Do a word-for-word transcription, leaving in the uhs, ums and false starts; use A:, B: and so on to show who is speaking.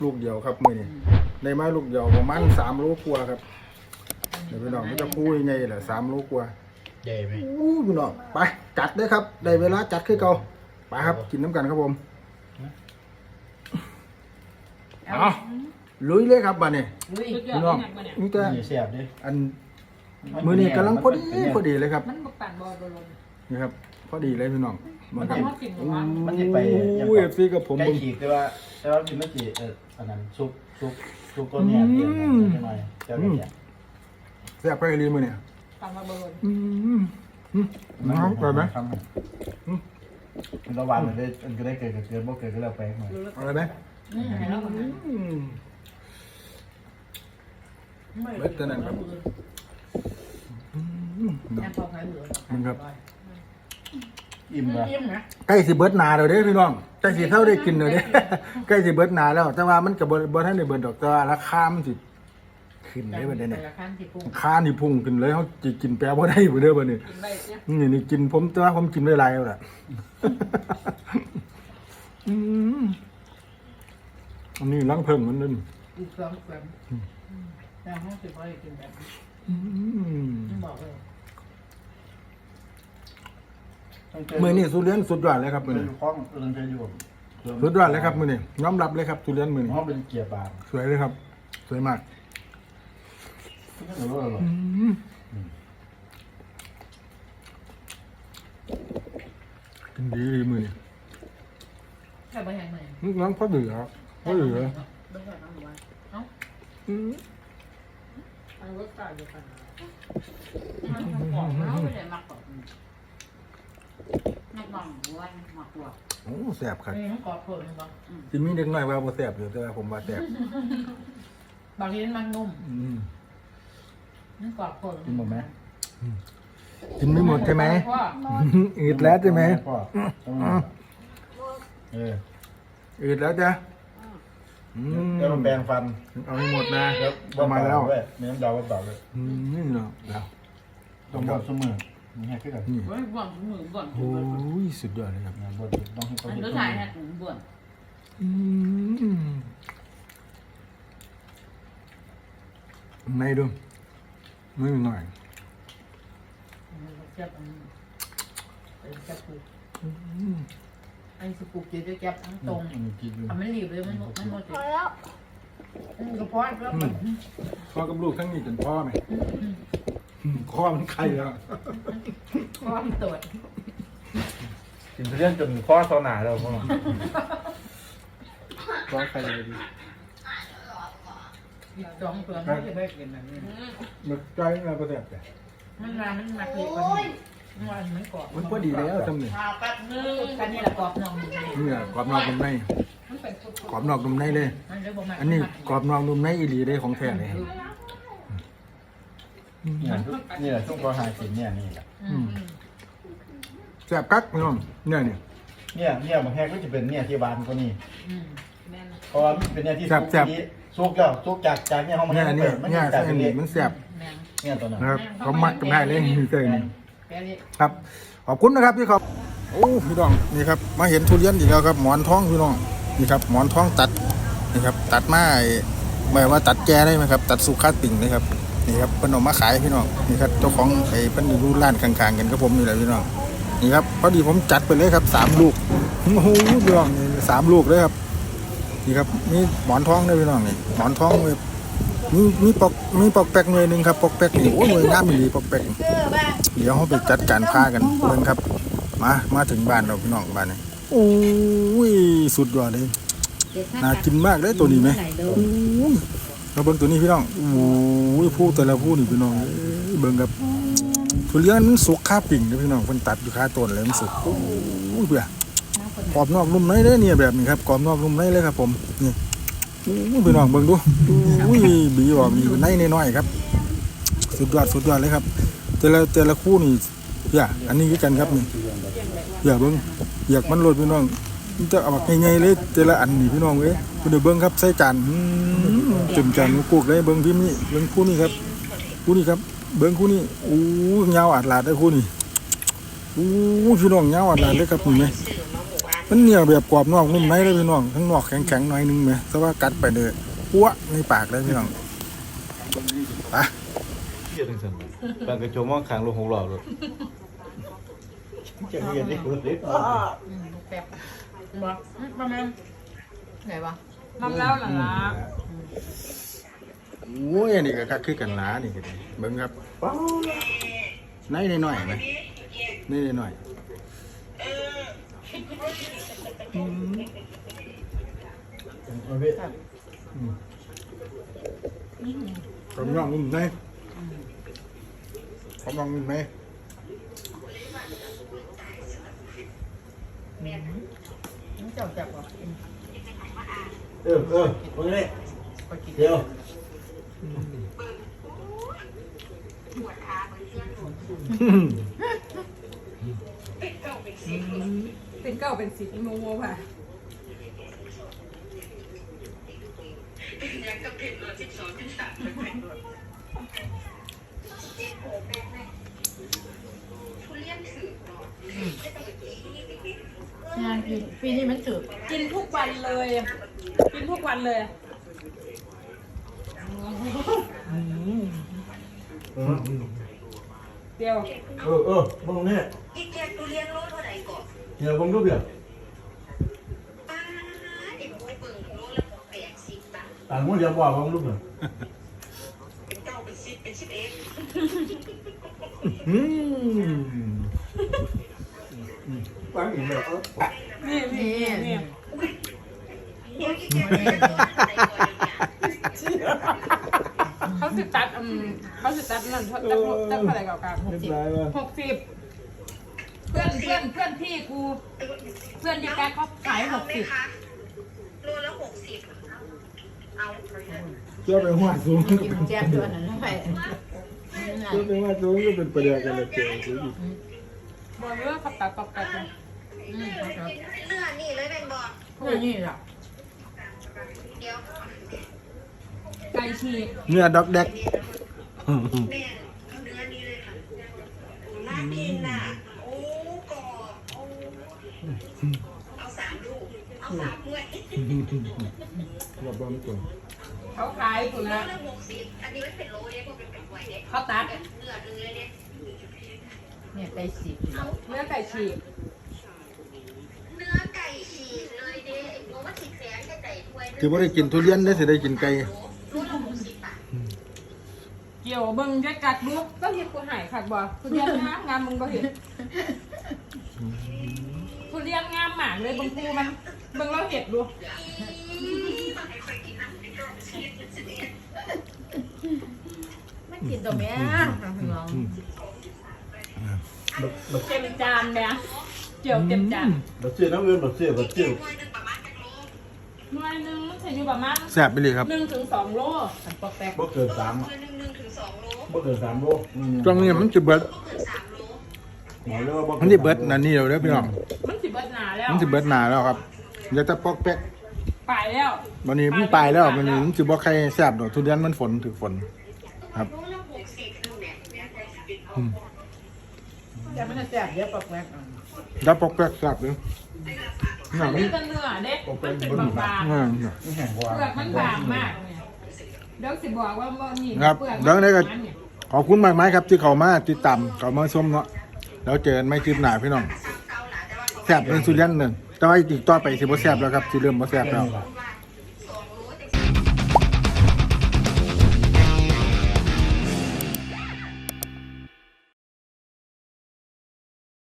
A: ลูกเดียวครับมือนี่ในไม้ลูกเดียวประมาณสามโลกว่าครับเดี๋ยวพี่น้องมันจะพูดยังไงแหละสามโลกว่า
B: ใหญ่ไหม
A: อู้พี่น้องไปจัดเลยครับได้เวลาจัดขึ้นเก่าไปครับกินน้ำกันครับผมเอาลุยเลยครับบ้านนี้พี่น้องนี่ก็
B: เสียบดิ
A: อันมือนี่กำลังพอดีพอดีเลยครับ
C: มันบกปั่นบอลบอล
A: นี่ครับพอดีเลยพี่น้องมันก็
B: มันจะไป
A: อู้เอฟซีกับผม
B: ใกล้ขีดแต่ว่าแต่ว่ากินไม่กี่เอออันนั้นซุปซุปซุปก้อนเนี่ยเปลี่ยนนิดหน่อยเจ้าเนี่ย
A: แซ่บไปรีมือเนี่ย
C: ปั่นมาบอล
A: อืมอืมน้องไปไหม
B: มันระหว่างมันได้มันก็ได้เกิดกับเกิดบ่เกิดก็แล้วไปหน่อย
A: อะไรไหม
C: นี่ไงแล้วมัน
A: เบ็ดตัวนั้นครับ
C: แอบพอใครเหลือ
A: มันครับ
B: อิ่มละ
C: ยิ้มนะ
A: ใกล้สิเบิดนาเดี๋ยวเด้พี่น้องใกล้สิเท่าได้กินเดี๋ยวเด้ ใกล้สิเบิดนาแล้ว แต่ว่ามันกับเบิดท่านได้เบิดดอกแต่ว่าราคามันสิขึ้นได้บัดนี้
C: ราคาที่พุ่ง
A: ราคานี่พุ่งขึ้นเลยเขาจะกินแปลว่าได้บ่เด้อบัดนี้
C: กินได้เนี่ย
A: นี่นี่กินผมแต่ว่าผมกินได้หลายแล้วล่ะ อืมอันนี้ล้างเพิ่งมันนั่น
C: อีกสองแสนแต่ห้องสิบร้อยกินแบบ
A: อืม
C: บอกเลย
A: มื้อนี้สุเรียนสุดยอดเลยครับมื้อ
B: เป็น
A: นี้
B: คล้องเรื่องใช้อยู่
A: สุดยอดเลยครับมื้อนี้ยอมรับเลยครับทุเรียนมื้อนี้
B: ห้องเป็นเกียร์บาง
A: สวยเลยครับ สวยมาก
B: หรือว่าอะไร
A: กินดีมื้อนี้
C: แค่ไปยังไง
A: นึกน้องพอดีครับพอดีเลย
C: ไม่ใช่น้องวันเอ้า
A: อืม
C: อันรถตายเดียวกันมันของเขาไม่ได้มากกว่านักบังวันมากกว่า
A: โอ้แซ่บครับ
C: นี่มันกอดเพิ่มมั้ง
A: สิมีเด็กน้อยว่าบ่แซ่บอยู่แต่ว่าผมว่าแซ่บบ
C: างทีมันนุ่ม
A: อืม
C: มันกอดเพิ่ม
B: กินหมดไหม
A: กินไม่หมดใช่ไหมอืดแล้วใช่ไหม
B: พ่อเออ
A: อืดแล้วจ้ะอืม
B: แล้วมันแปรงฟัน
A: เอาให้หมดนะ
B: แล้ว
A: เอามาแล้ว
B: ด้วยมีน้ำดาวเปล่าด้วย
A: อืมนี่เนาะแล้ว
B: ต้องบดเสมอมีแค่ขึ้นกัน
A: นี่
C: บ่นบ่นมือบ่น
A: โอ้ยสุดยอดเลยครับ
B: บดต้องให้เขา
C: อัน
B: เห็น
C: ก็ถ่ายแฮะบ่น
A: อืมในดูไม่หน่อย
C: จับจับปูไอ้สกูปจะจับทั้งตรง
B: มีกินอยู่
C: ทำไม่รีบเลยมันมันหมดเลยกระเพาะแล้ว
A: พ่อกับลูกทั้งนี้จนพ่อไหมพ่อมันไข่แล้ว
C: ความตรวจ
B: กินทุเรียนจนข้อโซนาแล้วพ่อ
A: พ่อไข่เลยดี
C: อีกสองตัวไม่จะได้กินแบบนี้
A: มันใจนะประเดี๋ยว
C: มันนานมันมาเกิดวันนี้มันมันกรอบ
A: มันพอดีแล้วจำเนี่ย
C: แป๊บนึงกันนี่แหละกรอบนอง
A: เนี่ยกรอบนอกนุ่มใน
C: มันเป็น
A: กรอบนอกนุ่มในเลย อันนี้กรอบนอกนุ่มในอีหลีได้ของแท้เลย
B: เนี่ยนี่แหละช่วงพอหากินเนี่ยนี่แหละ
A: แซ่บกักพี่น้องเนี่ยนี่
B: เนี่ยเนี่ยบางแห่ก็จะเป็นเนี่ยที่บ้านก็นี่
C: แม่น
B: เพราะว่ามันเป็นเนี่ยที่ซุกนี้ซุกแล้วซุกจากจากเนี่ยห้องมัน
A: เนี่ยเนี่ย
B: มัน
A: เนี่ย
B: จาก
A: เส้น
B: เล็
A: นี้
B: ก
A: มันแซ่บ
C: แม่น
B: เนี่ยตัวนั้น
A: นะครับเขามักกันได้เลยเส้นนี้
C: แกนี่
A: ครับ ขอบคุณนะครับพี่ครับโอ้พี่น้องนี่ครับมาเห็นทุเรียนอีกแล้วครับหมอนทองพี่น้องนี่ครับหมอนทองตัดนี่ครับตัดมาหมายว่าตัดแก่ได้ไหมครับตัดสุขาติ่งเลยครับนี่ครับเป็นออกมาขายพี่น้องนี่ครับเจ้าของไอ้เป็นอยู่ร้านข้างๆกันครับผมนี่แหละพี่น้องนี่ครับพอดีผมจัดไปเลยครับสามลูกโอ้โหพี่น้องสามลูกเลยครับนี่ครับนี่หมอนทองด้วยพี่น้องนี่หมอนทองเลยมีมีปอกมีปอกแป๊กหน่วยหนึ่งครับปอกแป๊กนี่โอ้ยหน่วยน้ำมีปอกแป๊กเดี๋ยวเขาไปจัดการพากันเบิ่งครับมามาถึงบ้านเราพี่น้องบ้านนี้โอ้ยสุดยอดเลยน่ากินมากเลยตัวนี้ไหมโอ้ยเราเบิ่งตัวนี้พี่น้องโอ้ยผู้แต่ละผู้นี่พี่น้องเบิ่งครับทุเรียนมันสุกค่าปิ่งนะพี่น้องมันตัดอยู่ค่าต้นเลยมันสุกโอ้ยเบื่อกรอบนอกนุ่มในเลยเนี่ยแบบนี้ครับกรอบนอกนุ่มในเลยครับผมนี่โอ้ยพี่น้องเบิ่งดูโอ้ยบีบอกมีในน้อยๆครับสุดยอดสุดยอดเลยครับแต่ละแต่ละคู่นี่อย่าอันนี้คือกันครับนี่อย่าเบิ่งอยากมันโหลดพี่น้องจะเอาแบบง่ายๆเลยแต่ละอันนี่พี่น้องเอ้ยเดี๋ยวเบิ่งครับใส่จานจุ่มจานกุกเลยเบิ่งพิมพ์นี่เบิ่งคู่นี้ครับคู่นี้ครับเบิ่งคู่นี้โอ้ยยาวอัดลาดได้คู่นี้โอ้ยพี่น้องยาวอัดลาดเลยครับนี่ไหมมันเหนียวแบบกรอบนอกนุ่มในเลยพี่น้องทั้งนอกแข็งๆหน่อยนึงไหมแต่ว่ากัดไปเลยปั้วในปากเลยพี่น้องไป
B: เกี่ยวกับสันปากกระโจมมองขางลงหกหลอดเลยจะมีอะไรกูเล็ก
C: อืมแป๊บบอกประมาณไหนวะ
D: น้ำแล้วหล่ะล่ะ
A: โอ้ยอันนี่ก็คักคือกันหลานี่ก็ดีเบิ่งครับในนิดหน่อยไหมในนิดหน่อยอืม
B: เอาพี่
A: กำลังนุ่มในกำลังนุ่มใน
C: น้ำเจ้าจับวะ
B: เออเออตรงนี้
C: ไปกิน
B: เดี๋ยว
D: เป็นเก้าเป็นสิบโมโมค่ะ
C: งานปีปีนี้มันถือ
D: กินทุกวันเลย กินทุกวันเลย เดียว
B: เออเออมึงเนี่ย
E: อีแกกูเลี้ยงโลเท่าไหร่ก่อน
B: เดี๋ยวมึงก็เบียด
E: ป้าเด็กโวยเบิ่งโลละแปดสิบบาท
B: ต่างมึงเดี๋ยวบอกมึงลูกเหรอ
E: เป็นเก้าเป็นสิบเป็นสิบเอ็ด
A: อืม
B: ฟังอีกแล้ว
D: นี่นี่นี่
E: โอ้ยอีแกกูเลี้ยงโลเท่าไหร่ก่อนเนี่ย
D: เขาสิตัดอืมเขาสิตัดนั่นเขาตัดตัดเท่าไหร่เก่ากันหกสิบหกสิบเพื่อนเพื่อนเพื่อนพี่กู เพื่อนที่แกเขาขายหกสิบ
E: เอาไหมคะโลละหกสิบเอา
A: เชื่อไปหัวสูง
C: กินแจ๊บตัวนั้นไป
A: เชื่อไปหัวสูงก็เป็นประเดี๋ยวกันเลยเจ๋งสุด
D: บอกเลยว่าเขาตัดตัดตัดเลย
C: อืมครับ
E: เนื้อนี่เลยเป็นบอก
C: พวกนี้ล่ะ
E: เดี๋ยว
D: ไก่ฉีก
A: เนื้อดอกแดก
E: แม่เอาเนื้อนี้เลยค่ะน่ากินน่ะโอ้กรอบโอ้เอาสามลูกเอาสามด้วย
A: ระบำตัว
D: เขาขายกู
E: โล
D: นะ
E: ละหกสิบอันนี้ไม่เป็นโลเนี่ยเพราะเป็นแบบไวเนี่ย
D: เขาตัด
E: เนื้อเนื้อเนี่ย
C: เนี่ยไก่สิบ
D: เนื้อไก่ฉีก
E: เนื้อไก่ฉีกเลยเด้ไอ้โมว่าฉีกแสนแค่ไก่ถ้วย
A: ที่ว่าได้กินทุเรียนได้สิได้กินไก่
E: โลละหกสิบบาท
D: เกี่ยวเบิ่งจะกัดลูกก็เห็นกูหายขาดบ่ทุเรียนงามงามมึงบ่เห็นทุเรียนงามมากเลยบางทีมันเบิ่งเราเห็ดดู
C: ไม่กินตัวแม่น้อง
D: เต็มจานแม่เกี่ยวเต็มจาน
B: บัดเสียน้ำเงินบัดเสียบัดเสีย
E: ถ้วยหนึ่งประมาณจะโล
D: หน่วยหนึงมันใช้อยู่ประมาณ
A: แซ่บไปเลยครับ
D: หนึ่งถึงสองโล
C: ทำปอกแป๊ก
B: บ่เกินสาม
E: ถ้วยหนึ่งหนึ่งถึงสองโล
B: บ่เกินสามโล
A: ตรงนี้มันจะเบิด
E: ก็เกินสามโล
B: หมอเรียกว่าบ่
A: มันจะเบิดนั่นนี่เดี๋ยวเด้อพี่น้อง
D: มันสิเบิดหนาแล้ว
A: มันจะเบิดหนาแล้วครับเดี๋ยวจะปอกแป๊ก
D: ไปแล้ว
A: วันนี้มันไปแล้ววันนี้มันจะบอกใครแซ่บดอกทุเรียนมันฝนถึงฝนครับ
E: โลละหกสิบนึงเนี่ยเนี่ยไก่สิบ
A: อืม
C: แต่มันจะแซ่บเยอะปอกแป๊ก
A: แล้วปอกแป๊กแซ่บเลยนี่
D: อัน
A: มั
D: นี้
A: น
D: เป็นเนื้อเด็มันเป็นบาง
A: อืม
B: แห้งกว่า
D: ๆเปลือกมันบางมากเนี่ยเดี๋ยวสิบอกว่าว่านี่
A: ครับ
D: เปลือก
A: เดี๋ยวได้ก็
D: มันเนี่ย
A: ขอบคุณมากมายครับที่เขามาติดตามเขามาชมเนาะแล้วเจอกันไม่คลิปหนาพี่น้อง
E: เกาหลาแต่ว่าเขา
A: แซ่บเป็นสุดยันหนึ่งแต่ว่าอีกต่อไปสิบ่แซ่บแล้วครับสิเริ่มบ่แซ่บแล้ว
E: ว่า